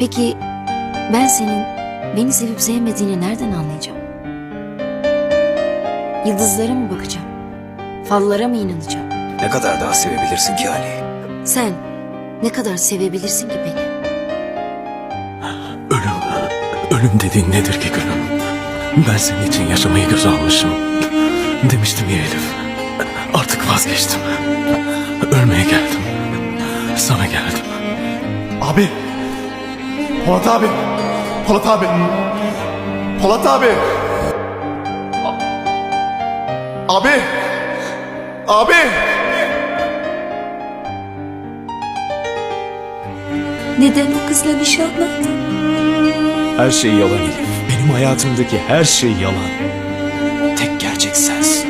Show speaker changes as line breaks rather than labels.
Peki ben senin beni sevip sevmediğini nereden anlayacağım? Yıldızlara mı bakacağım? Fallara mı inanacağım?
Ne kadar daha sevebilirsin ki Ali?
Sen ne kadar sevebilirsin ki beni?
Ölüm dediğin nedir ki gülüm? Ben senin için yaşamayı göze almışım. Demiştim ya Elif. Artık vazgeçtim. Ölmeye geldim. Sana geldim.
Abi. Polat abi. Polat abi. Polat abi. Abi. Abi.
Neden o kızla nişanlandın?
Her şey yalan Elif. Benim hayatımdaki her şey yalan. Tek gerçek sensin.